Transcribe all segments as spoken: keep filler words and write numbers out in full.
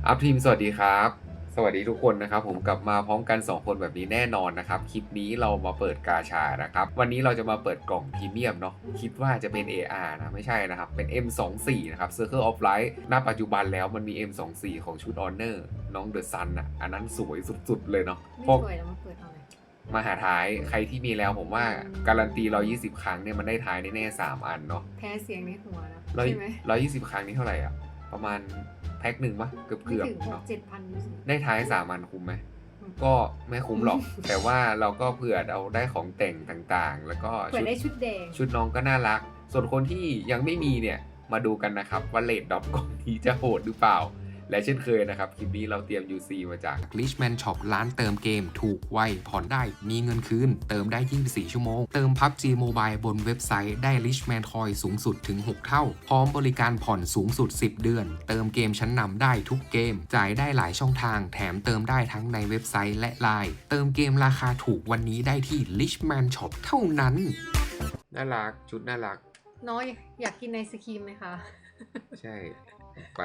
อัพทีมสวัสดีครับสวัสดีทุกคนนะครับผมกลับมาพร้อมกันสองคนแบบนี้แน่นอนนะครับคลิปนี้เรามาเปิดกาชานะครับวันนี้เราจะมาเปิดกล่องพรีเมียมเนาะคิดว่าจะเป็น เอ อาร์ นะไม่ใช่นะครับเป็น เอ็ม สองสิบสี่ นะครับ Circle of Light ณปัจจุบันแล้วมันมี เอ็ม สองสิบสี่ ของชุด Honor น้อง The Sun อ่ะอันนั้นสวยสุดๆเลยเนาะไม่สวยแล้วมาเปิดเอาเลยมาหาท้ายใครที่มีแล้วผมว่าการันตีหนึ่งร้อยยี่สิบครั้งเนี่ยมันได้ท้ายแน่ๆสามอันเนาะแพ้เสียงในหัวแล้วใช่ไหมหนึ่งร้อยยี่สิบครั้งนี้เท่าไหร่อ่ะประมาณแพ็คหนึ่งปะเกือบเกือบเนาะเจ็ดพันได้ท้ายสามอันคุ้มไหมก็ไม่คุ้มหรอก แต่ว่าเราก็เผื่อเอาได้ของแต่งต่างๆแล้วก็เผื่อได้ชุดแดงชุดน้องก็น่ารักส่วนคนที่ยังไม่มีเนี่ยมาดูกันนะครับว่าเลดดรอปกล่องนี้จะโหดหรือเปล่าและเช่นเคยนะครับคลิปนี้เราเตรียม ยู ซี มาจาก Richman Shop ร้านเติมเกมถูกไวผ่อนได้มีเงินคืนเติมได้ยี่สิบสี่ชั่วโมงเติม พับจี Mobile บนเว็บไซต์ได้ Richman Coin สูงสุดถึงหกเท่าพร้อมบริการผ่อนสูงสุดสิบเดือนเติมเกมชั้นนำได้ทุกเกมจ่ายได้หลายช่องทางแถมเติมได้ทั้งในเว็บไซต์และ ไลน์ เติมเกมราคาถูกวันนี้ได้ที่ Richman Shop เท่านั้นน่ารักชุดน่ารักน้อยอยากกินไอศครีมไหมคะใช่ไป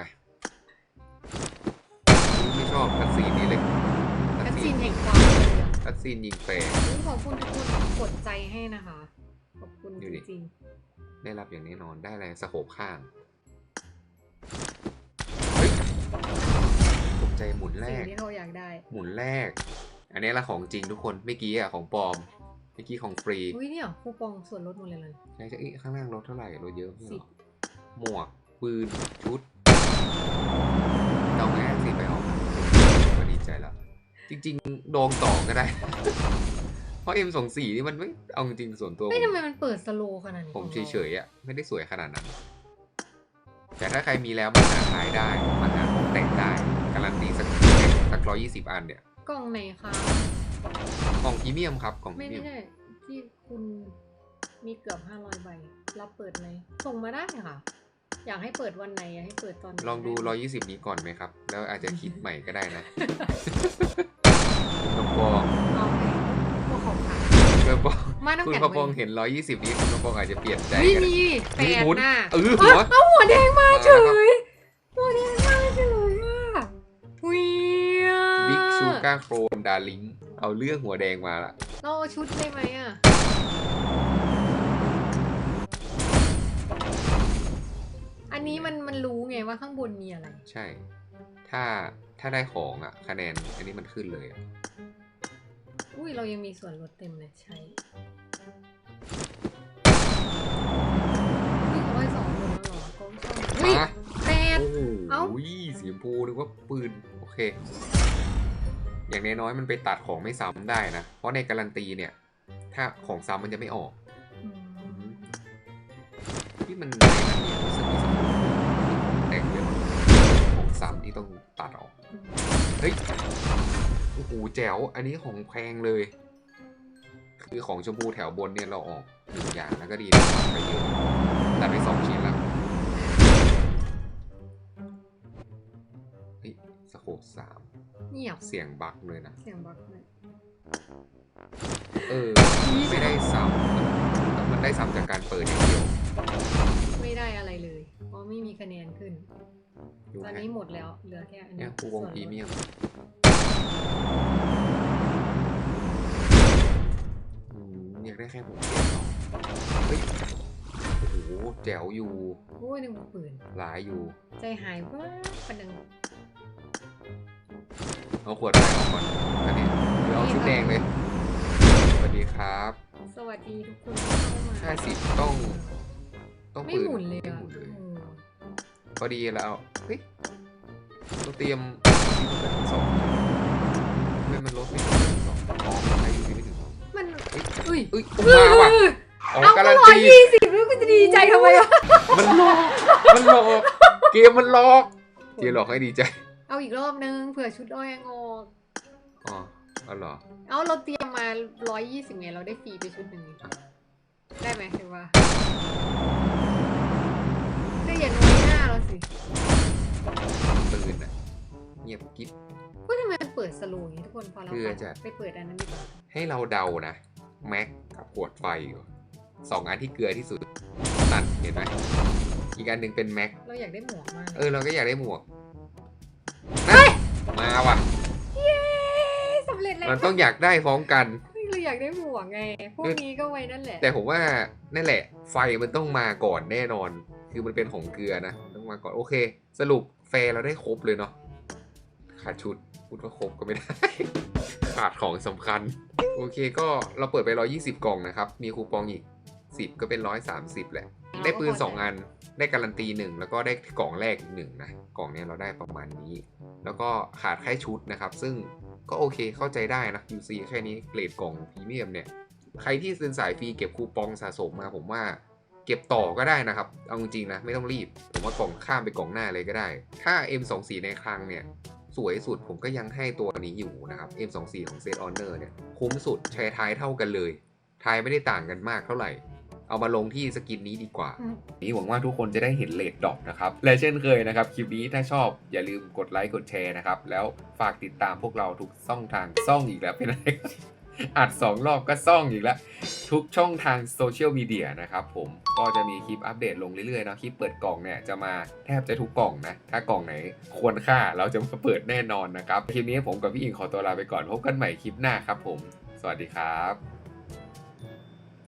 ไม่ชอบคัดซีนนี้เลยคัดซีนแห่งความเลยคัดซีนยิงเปรย์ขอบคุณทุกคนกดใจให้นะคะขอบคุณจริงๆได้รับอย่างแน่นอนได้อะไรสโคปข้างเฮ้ยตกใจหมุนแรกสิ่งที่เราอยากได้หมุนแรกอันนี้ละของจริงทุกคนเมื่อกี้อะของปลอมเมื่อกี้ของฟรีอุ้ยเนี่ยคูปองส่วนลดหมดเลยเลยใช่ใช่ข้างล่างลดเท่าไหร่ลดเยอะสิหมวกปืนชุดเราแม่สิไปออกก็ดีใจแล้วจริงๆโดงต่อก็ได้เพราะ เอ็ม สองสิบสี่ นี่มันไม่เอาจริงส่วนตัวไม่ทำไมมันเปิดสโลขนาดนี้ผมเฉยๆอ่ะไม่ได้สวยขนาดนั้นแต่ถ้าใครมีแล้วมาหาขายได้มาหาของแต่งได้การันตีสักสักร้อยยี่สิบอันเนี่ยกล่องไหนคะกล่องพรีเมียมครับกล่องพรีเมียมไม่ได้ที่คุณมีเกือบห้าร้อยใบรับเปิดไหมส่งมาได้ค่ะอยากให้เปิดวันไหนอยากให้เปิดตอนลองดูหนึ่งร้อยยี่สิบนี้ก่อนไหมครับแล้วอาจจะคิดใหม่ก็ได้นะคุณปองเอาไปพวกของขายคุณปองคุณปองเห็นหนึ่งร้อยยี่สิบนี้คุณปองอาจจะเปลี่ยนใจไม่มีแปดหน้าเออหัวเอาหัวแดงมาเฉยหัวแดงมาเฉยอ่ะวิวบิ๊กชูการ์โครนดาริงเอาเรื่องหัวแดงมาละเราเอาชุดได้ไหมอ่ะอันนี้มันมันรู้ไงว่าข้างบนมีอะไรใช่ถ้าถ้าได้ของอ่ะคะแนนอันนี้มันขึ้นเลยอ่ะอุ้ยเรายังมีส่วนลดเต็มเลยใช่นี่เขาให้สองคนแล้วเหรอเขาชอบอุ้ยแปดเอ้าอุ้ยสีชมพูนึกว่าปืนโอเคอย่างน้อยๆมันไปตัดของไม่ซ้ำได้นะเพราะในการันตีเนี่ยถ้าของซ้ำมันจะไม่ออกที่มันในนั้นเนี่ยรู้สึกมีสมองแต่งเยอะของซ้ำที่ต้องตัดออกเฮ้ยโอ้โหแจ๋วอันนี้ของแพงเลยคือของชมพูแถวบนเนี่ยเราออกหนึ่งอย่างแล้วก็ดีนะไปเยอะตัดไปสองชิ้นแล้วเฮ้ยสโคปสามเงียบเสียงบักเลยนะเสียงบักเลยเออไม่ได้ซ้ำมันได้ซ้ำจากการเปิดอย่างเดียวไม่ได้อะไรเลยเพราะไม่มีคะแนนขึ้นตอนนี้หมดแล้วเหลือแค่อันนี้คูปองพรีเมียมอยากได้แค่ผมเดียวเฮ้ยโอ้โหแจ๋วอยู่โอ้ยหนึ่งปืนหลายอยู่ใจหายว่าปันหนึ่งเอาขวดไปออกก่อนอันนี้เดี๋ยวเอาชุดแดงเลยสวัสดีครับสวัสดีทุกคนห้าสิบต้องต้องไม่หมุนเลยอ่ะพอดีแล้วเฮ้ยเราเตรียมสองไม่มันลดไม่ถึงสองอ๋อใช้อยู่ที่ไม่ถึงสองมันอุ้ยอุ้ยมาว่ะอ๋อการันตียี่สิบแล้วก็จะดีใจทำไมวะมันหลอกมันหลอกเกมมันหลอกเกมหลอกให้ดีใจเอาอีกรอบนึงเผื่อชุดอ้อยงอกอ๋อเอาหรอเอาเราเตรียมมาร้อยยี่สิบไงเราได้ฟรีไปชุดหนึ่งได้ไหมถือว่าก็อย่าน้อยหน้าเราสิตื่นอ่ะเงียบกิ๊บก็ทำไมมันเปิดสโลว์อย่างนี้ทุกคนพอเราไปเปิดอันนั้นดีกว่าให้เราเดานะแม็กกับขวดไฟสองอันที่เกลือที่สุดนั่นเห็นไหมอีกอันหนึ่งเป็นแม็กเราอยากได้หมวกมากเออเราก็อยากได้หมวกว่ะเย้สำเร็จแล้วมันต้องอยากได้พร้อมกันเราอยากได้หมวกไง พวกนี้ก็ไว้นั่นแหละแต่ผมว่านั่นแหละ ไฟมันต้องมาก่อนแน่นอน คือมันเป็นของเกลือนะต้องมาก่อนโอเค สรุปแฟร์เราได้ครบเลยเนาะขาดชุดพูดว่าครบก็ไม่ได้ ขาดของสำคัญโอเคก็เราเปิดไปหนึ่งร้อยยี่สิบกล่องนะครับมีคูปองอีกสิบก็เป็นหนึ่งร้อยสามสิบแหละได้ปืนสองอันได้การันตีหนึ่งแล้วก็ได้กล่องแรกอีกหนึ่งนะกล่องนี้เราได้ประมาณนี้แล้วก็ขาดแค่ชุดนะครับซึ่งก็โอเคเข้าใจได้นะ ยู ซี แค่นี้เกรดกล่องพรีเมียมเนี่ยใครที่เป็นสายฟรีเก็บคูปองสะสมมาผมว่าเก็บต่อก็ได้นะครับเอาจริงๆนะไม่ต้องรีบผมว่ากล่องข้ามไปกล่องหน้าเลยก็ได้ถ้า เอ็ม สองสิบสี่ ในคลังเนี่ยสวยสุดผมก็ยังให้ตัวนี้อยู่นะครับ เอ็ม สองสิบสี่ ของ Set Honor เนี่ยคุ้มสุดใช้ท้ายเท่ากันเลยท้ายไม่ได้ต่างกันมากเท่าไหร่เอามาลงที่สกินนี้ดีกว่านี่หวังว่าทุกคนจะได้เห็นเลดดรอปนะครับและเช่นเคยนะครับคลิปนี้ถ้าชอบอย่าลืมกดไลค์กดแชร์นะครับแล้วฝากติดตามพวกเราทุกช่องทางซ่องอีกแล้วเป็นอะไรอัดสองรอบก็ซ่องอีกแล้วทุกช่องทางโซเชียลมีเดียนะครับผมก็จะมีคลิปอัปเดตลงเรื่อยๆนะคลิปเปิดกล่องเนี่ยจะมาแทบจะทุกกล่องนะถ้ากล่องไหนควรค่าเราจะมาเปิดแน่นอนนะครับคลิปนี้ผมกับพี่อิงขอตัวลาไปก่อนพบกันใหม่คลิปหน้าครับผมสวัสดีครับ